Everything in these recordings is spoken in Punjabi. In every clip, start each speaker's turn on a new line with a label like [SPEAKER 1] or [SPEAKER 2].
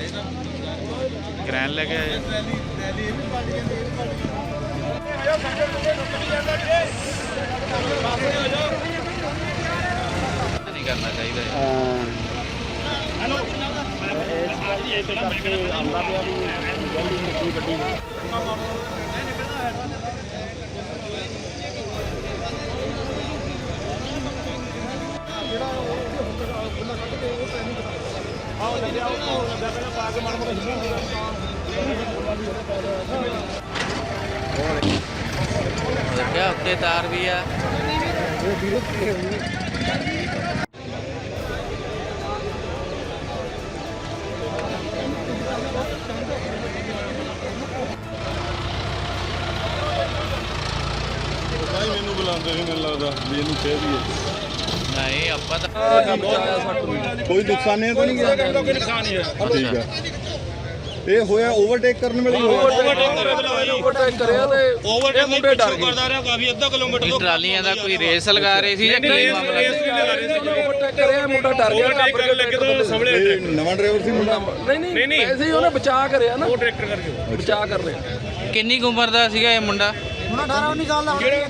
[SPEAKER 1] ਕਰੈਨ ਲੈ ਕੇ ਆਏ। ਨਹੀਂ ਕਰਨਾ ਚਾਹੀਦਾ देखा उत्ते तार भी है।
[SPEAKER 2] मैनू बुलाते नहीं, मैनू लगता भी इनू कह दिए
[SPEAKER 1] नहीं अपा तो
[SPEAKER 2] कोई नुकसान नहीं तो नहीं गया। कोई नुकसान नहीं है। ठीक है ये होया ओवरटेक करने वाली
[SPEAKER 3] ओवरटेक करिया ते ओवरटेक मुंडे डर गए करदा रहा काफी आधा किलोमीटर तो
[SPEAKER 1] ट्रालियां दा कोई रेस लगा रहे सी या की मामला
[SPEAKER 3] ओवरटेक करिया मुंडा डर गया ओवरटेक करने लगे तो सामने
[SPEAKER 2] नवा ड्राइवर सी मुंडा
[SPEAKER 3] नहीं ऐसे ही ਉਹਨੇ ਬਚਾ ਕਰਿਆ ਨਾ ਉਹ ਟਰੈਕਟਰ ਕਰਕੇ ਬਚਾ ਕਰ ਲਿਆ।
[SPEAKER 1] ਕਿੰਨੀ ਕੁ ਉਮਰ ਦਾ ਸੀਗਾ ਇਹ ਮੁੰਡਾ?
[SPEAKER 4] ਮੁੰਡਾ 18 19 ਸਾਲ ਦਾ ਹੋਣਾ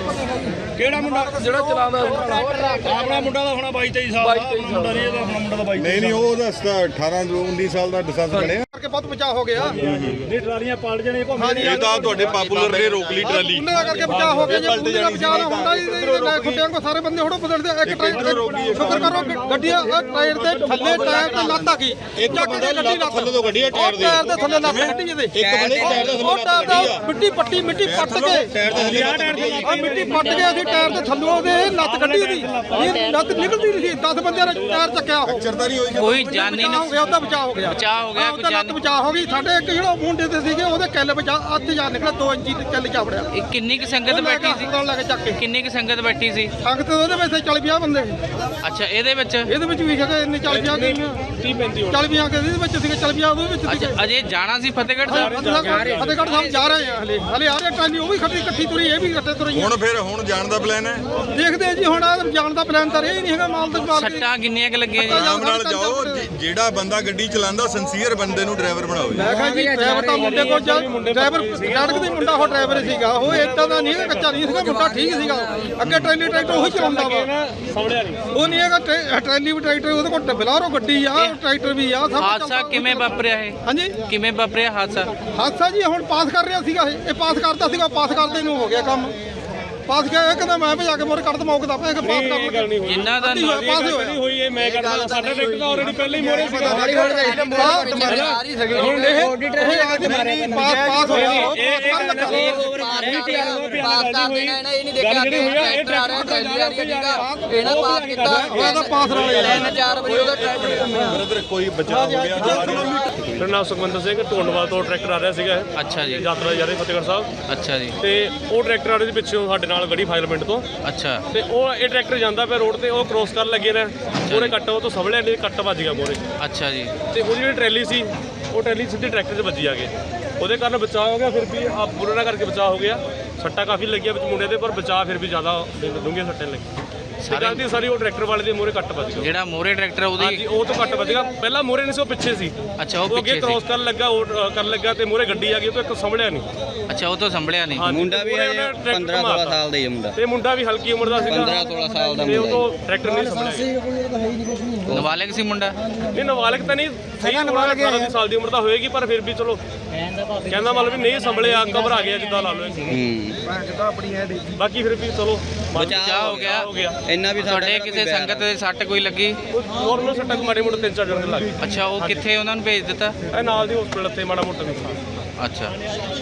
[SPEAKER 3] ਕਿਹੜਾ ਮੁੰਡਾ ਜਿਹੜਾ ਚਲਾਉਂਦਾ ਆਪਣਾ ਮੁੰਡਾ ਦਾ ਹੋਣਾ 22 23 ਸਾਲ ਦਾ ਮੁੰਡਾ ਨਹੀਂ ਇਹਦਾ ਆਪਣਾ ਮੁੰਡਾ ਦਾ 22
[SPEAKER 2] नहीं नहीं वो दसदा 18 19 साल ਦਾ ਲਾਇਸੈਂਸ ਬਣਿਆ
[SPEAKER 4] ਕਰਕੇ ਬਹੁਤ ਬਚਾਅ ਹੋ ਗਿਆ।
[SPEAKER 3] ਨਹੀਂ ਟਰਾਲੀਆਂ ਪਲਟ ਜਾਣੀ ਘੁੰਮ
[SPEAKER 2] ਇਹ ਤਾਂ ਤੁਹਾਡੇ ਪਾਪੂਲਰ ਨੇ ਰੋਕ ਲਈ ਟਰਾਲੀ
[SPEAKER 4] ਉਹਨਾਂ ਦਾ ਕਰਕੇ ਬਚਾਅ ਹੋ ਗਿਆ। ਜੇ ਉਹਨਾਂ ਦਾ ਬਚਾਅ ਨਾ ਹੁੰਦਾ ਖੁੱਟਿਆਂ ਕੋ ਸਾਰੇ ਬੰਦੇ ਹੋੜੋ ਬਦਲਦੇ ਇੱਕ ਟਾਇਰ ਸ਼ੁਕਰ ਕਰੋ ਗੱਡੀਆਂ ਟਾਇਰ ਦੇ ਥੱਲੇ ਟਾਇਰ ਤੇ ਲੱਤ ਆ ਗਈ ਇੱਕ ਬੰਦੇ ਲੱਤ ਥੱਲੇ ਤੋਂ ਗੱਡੀ ਟਾਇਰ ਦੇ ਥੱਲੇ ਲੱਤ ਕੱਢੀ ਇਹਦੇ ਇੱਕ ਬੰਦੇ ਟਾਇਰ ਦੇ ਥੱਲੇ ਮਿੱਟੀ ਪੱਟ ਕੇ ਟਾਇਰ ਦੇ ਮਿੱਟੀ ਪੱਟ ਕੇ ਅਸੀਂ ਟਾਇਰ ਦੇ ਥੱਲੋਂ ਦੇ ਲੱਤ ਕੱਢੀ ਉਹਦੀ ਇਹ ਲੱਤ ਨਿਕਲਦੀ ਨਹੀਂ ਸੀ 10 ਬੰਦਿਆਂ ਨੇ ਟਾਇਰ ਚੱਕਿਆ ਉਹ
[SPEAKER 2] ਚਰਦਾਰੀ ਹੋਈ
[SPEAKER 1] ਕੋਈ ਜਾਨੀ
[SPEAKER 4] ਹੋ ਗਿਆ ਉਹਦਾ ਬਚਾਅ ਹੋ ਗਿਆ
[SPEAKER 1] ਬਚਾਅ ਹੋ ਗਿਆ ਕੋਈ
[SPEAKER 4] ਲੱਤ ਬਚਾਅ ਹੋ ਗਈ। ਸਾਡੇ ਇੱਕ ਜਿਹੜਾ ਮੁੰਡੇ ਤੇ ਸੀਗੇ ਉਹਦੇ ਕਿੱਲ ਬਚਾ ਅੱਧ ਜਾ ਨਿਕਲਿਆ 2 ਇੰਚੀ ਤੇ ਕਿੱਲ ਜਾ ਵੜਿਆ।
[SPEAKER 1] ਇਹ ਕਿੰਨੀ ਕੁ ਸੰਗਤ ਬੈਠੀ ਸੀ?
[SPEAKER 4] ਲੈ ਕੇ ਚੱਕ ਕੇ
[SPEAKER 1] ਕਿੰਨੀ ਕੁ ਸੰਗਤ ਬੈਠੀ ਸੀ?
[SPEAKER 4] ਸੰਗਤ ਉਹਦੇ ਵਿੱਚ 40 50 ਬੰਦੇ
[SPEAKER 1] ਅੱਛਾ ਇਹਦੇ ਵਿੱਚ
[SPEAKER 4] ਇਹਦੇ ਵਿੱਚ ਵੀ ਹੈਗੇ ਇੰਨੇ 40 50 40 50 ਕੇ ਇਹਦੇ ਵਿੱਚ ਸੀਗੇ 40 50 ਉਹਦੇ ਵਿੱਚ ਸੀਗੇ।
[SPEAKER 1] ਅੱਛਾ ਅਜੇ ਜਾਣਾ ਸੀ ਫਤਿਹਗੜ੍ਹ ਸਾਹਿਬ?
[SPEAKER 4] ਫਤਿਹਗੜ੍ਹ ਸਾਹਿਬ ਜਾ ਰਹੇ ਆ ਹਲੇ ਆ ਰਹੇ ਟ੍ਰੇਨ ਉਹ ਵੀ ਇਕੱਠੀ ਤੁਰੀ ਇਹ ਵੀ ਇਕੱਠੇ ਤੁਰੀ
[SPEAKER 2] ਹੁਣ ਜਾਣ ਦਾ ਪਲਾਨ ਹੈ।
[SPEAKER 4] ਦੇਖਦੇ ਆ ਜੀ ਹੁਣ ਜਾਣ ਦਾ ਪਲਾਨ ਤਾਂ ਇਹ ਨਹੀਂ ਹੈਗਾ ਮਾਲ ਦੇ ਮਾਲ
[SPEAKER 1] ਸੱਟਾਂ ਕਿੰਨੀਆਂ ਕੁ ਲੱਗੀਆਂ ਜੀ?
[SPEAKER 2] ਆਰਾਮ ਨਾਲ ਜਾਓ ਜਿਹੜਾ ਬੰਦਾ ਗੱਡੀ ਚਲਾਉਂਦਾ ਸਿੰਸੀਅਰ ਬੰਦੇ ਨੂੰ ਡਰਾਈਵਰ ਬਣਾਓ।
[SPEAKER 4] ਮੈਂ ਕਿਹਾ ਜੀ ਡਰਾਈਵਰ ਤਾਂ ਮੁੰਡੇ ਕੋਲ ਡਰਾਈਵਰ ਸੜਕ ਦੇ ਮੁੰਡਾ ਉਹ ਡਰਾਈਵਰ ਸੀਗਾ ਉਹ ਏਦਾਂ ਦਾ ਨਹੀਂ ਹੈਗਾ ਕੱਚਾ ਨਹੀਂ ਸੀਗਾ ਮੁੰਡਾ ਠੀਕ ਸੀਗਾ। ਅੱਗੇ ਟ੍ਰੇਲੀ ਟਰੈਕਟਰ ਉਹੀ ਚਲਾਉਂਦਾ ਵਾ ਉਹ ਨਹੀਂ ਹੈਗਾ ਟ੍ਰੇਲੀ ਵੀ ਟਰੈਕਟਰ ਉਹਦੇ ਕੋਲ ਬਲਾਰੋ ਗੱਡੀ ਆ ਟਰੈਕਟਰ ਵੀ ਆ ਸਭ
[SPEAKER 1] ਹਾਦਸਾ ਕਿਵੇਂ ਵਾਪਰਿਆ ਇਹ?
[SPEAKER 4] ਹਾਂਜੀ
[SPEAKER 1] ਕਿਵੇਂ ਵਾਪਰਿਆ ਹਾਦਸਾ?
[SPEAKER 4] ਹਾਦਸਾ ਜੀ ਹੁਣ ਪਾਸ ਕਰ ਰਿਹਾ ਸੀਗਾ ਇਹ ਪਾਸ ਕਰਦਾ ਸੀਗਾ ਪਾਸ ਕਰਦੇ ਨੂੰ ਹੋ ਗਿਆ ਕੰਮ ਪਾਸ ਗਿਆ ਇਹ ਕਹਿੰਦਾ ਮੈਂ ਭਜਾ ਕੇ ਮੋਰੇ ਕੱਢ ਦਮੌਕਦਾ ਪਿਆ ਕਿ ਪਾਸ ਕਰ
[SPEAKER 1] ਜਿੰਨਾ ਦਾ
[SPEAKER 4] ਪਾਸ
[SPEAKER 3] ਹੋਈ ਇਹ ਮੈਂ ਕਰਦਾ ਸਾਡਾ ਟਰੈਕਟਰ ਤਾਂ ਆਲਰੇਡੀ ਪਹਿਲਾਂ ਹੀ ਮੋਰੇ ਸੀਗਾ
[SPEAKER 4] ਹੁਣ ਇਹ ਪਾਸ ਹੋਇਆ
[SPEAKER 2] ਬ੍ਰਦਰ ਕੋਈ ਬਚਾਅ ਹੋ ਗਿਆ।
[SPEAKER 3] ਮੇਰਾ ਨਾਮ ਸੁਖਵਿੰਦਰ ਸਿੰਘ ਢੋਂਡਵਾਲ ਤੋਂ ਟਰੈਕਟਰ ਆ ਰਿਹਾ ਸੀਗਾ
[SPEAKER 1] ਅੱਛਾ ਜੀ
[SPEAKER 3] ਯਾਤਰਾ ਜਾ ਰਹੀ ਫਤਿਹਗੜ੍ਹ ਸਾਹਿਬ
[SPEAKER 1] ਅੱਛਾ ਜੀ
[SPEAKER 3] ਤੇ ਉਹ ਟਰੈਕਟਰ ਆ ਰਿਹਾ ਸੀ ਪਿੱਛੋਂ ਸਾਡੇ ਨਾਲ ਗੜੀ ਫਾਇਰ ਪਿੰਡ ਤੋਂ
[SPEAKER 1] ਅੱਛਾ
[SPEAKER 3] ਤੇ ਉਹ ਇਹ ਟਰੈਕਟਰ ਜਾਂਦਾ ਪਿਆ ਰੋਡ ਤੇ ਉਹ ਕ੍ਰੋਸ ਕਰਨ ਲੱਗੇ ਨੇ ਉਹਨੇ ਕੱਟ ਉਹ ਤੋਂ ਸਵਲੇ ਨੇ ਕੱਟ ਵੱਜ ਗਿਆ ਮੋਰੇ
[SPEAKER 1] ਅੱਛਾ ਜੀ
[SPEAKER 3] ਤੇ ਉਹਦੀ ਜਿਹੜੀ ਟਰੈਲੀ ਸੀ ਉਹ ਟਰੈਲੀ ਸਿੱਧੀ ਟਰੈਕਟਰ 'ਚ ਵੱਜੀ ਆ ਕੇ ਉਹਦੇ ਕਾਰਨ ਬਚਾਅ ਹੋ ਗਿਆ। ਫਿਰ ਵੀ ਆ ਬੁਰਾ ਨਾ ਕਰਕੇ ਬਚਾਅ ਹੋ ਗਿਆ। ਸੱਟਾਂ ਕਾਫੀ ਲੱਗੀਆਂ ਵਿੱਚ ਮੁੰਡੇ ਦੇ ਪਰ ਬਚਾਅ ਫਿਰ ਵੀ ਜ਼ਿਆਦਾ ਡੂੰਘੀਆਂ ਸੱਟਾਂ ਲੱਗੀ ਸਾਰੀ ਉਹ ਟਰੈਕਟਰ ਵਾਲੇ ਦੇ ਮੋਰੇ ਕੱਟ ਵੱਜ ਗਿਆ।
[SPEAKER 1] ਜਿਹੜਾ ਮੋਰੇ ਟਰੈਕਟਰ ਉਹਦੀ
[SPEAKER 3] ਹਾਂਜੀ ਉਹ ਤੋਂ ਕੱਟ ਵੱਜ ਗਿਆ। ਪਹਿਲਾਂ ਮੋਰੇ ਨਹੀਂ ਸੀ ਉਹ ਪਿੱਛੇ ਸੀ।
[SPEAKER 1] ਅੱਛਾ ਉਹ
[SPEAKER 3] ਉਹ ਅੱਗੇ
[SPEAKER 1] ਪਿੱਛੇ
[SPEAKER 3] ਕ੍ਰੋਸ
[SPEAKER 1] ਸੀ।
[SPEAKER 3] ਕਰਨ ਲੱਗਾ ਉਹ ਕਰਨ ਲੱਗਾ ਤੇ ਮੋਰੇ ਗੱਡੀ ਆ ਗਈ ਉਹ ਤੋਂ ਇੱਕ ਸੰਭਲਿਆ ਨਹੀਂ।
[SPEAKER 1] ਅੱਛਾ ਉਹ ਤੋਂ ਸੰਭਲਿਆ ਨਹੀਂ।
[SPEAKER 5] ਮੁੰਡਾ ਵੀ 15-16 ਸਾਲ ਦਾ ਹੀ ਹੈ ਮੁੰਡਾ
[SPEAKER 3] ਤੇ ਮੁੰਡਾ ਵੀ ਹਲਕੀ ਉਮਰ ਦਾ ਸੀਗਾ
[SPEAKER 5] 15-16 ਸਾਲ ਦਾ
[SPEAKER 3] ਤੇ ਉਹ
[SPEAKER 5] ਮੁੰਡਾ
[SPEAKER 3] ਤੋਂ ਟਰੈਕਟਰ ਨਹੀਂ ਸੰਭਲਿਆ।
[SPEAKER 1] ਨਾਬਾਲਗ ਸੀ ਮੁੰਡਾ?
[SPEAKER 3] ਨਹੀਂ ਨਾਬਾਲਗ ਤਾਂ ਨਹੀਂ ਸਹੀ 18 ਸਾਲ ਦੀ ਉਮਰ ਦਾ ਹੋਏਗੀ ਪਰ ਫਿਰ ਵੀ ਚਲੋ ਕਹਿੰਦਾ ਮਤਲਬ ਵੀ ਨਹੀਂ ਸੰਭਲਿਆ ਘਬਰਾ ਗਿਆ ਜਿੱਦਾਂ ਲਾ ਲਓ। ਬਾਕੀ ਫਿਰ ਵੀ ਚਲੋ
[SPEAKER 1] ਬਚਾਅ ਹੋ ਗਿਆ।
[SPEAKER 5] ਇੰਨਾ ਵੀ
[SPEAKER 1] ਤੁਹਾਡੇ ਕਿਸੇ ਸੰਗਤ ਦੇ ਸੱਟ ਕੋਈ ਲੱਗੀ?
[SPEAKER 3] ਹੋਰ ਨੂੰ ਸੱਟਾਂ ਮਾੜੇ ਮੋਟੇ 3-4 ਜਣੇ ਲੱਗ ਗਏ।
[SPEAKER 1] ਅੱਛਾ ਉਹ ਕਿੱਥੇ ਉਹਨਾਂ ਨੂੰ ਭੇਜ ਦਿੱਤਾ?
[SPEAKER 3] ਇਹ ਨਾਲ ਦੀ ਹਸਪੀਟਲ ਤੇ ਮਾੜਾ ਮੋਟਾ ਵੀ
[SPEAKER 1] ਅੱਛਾ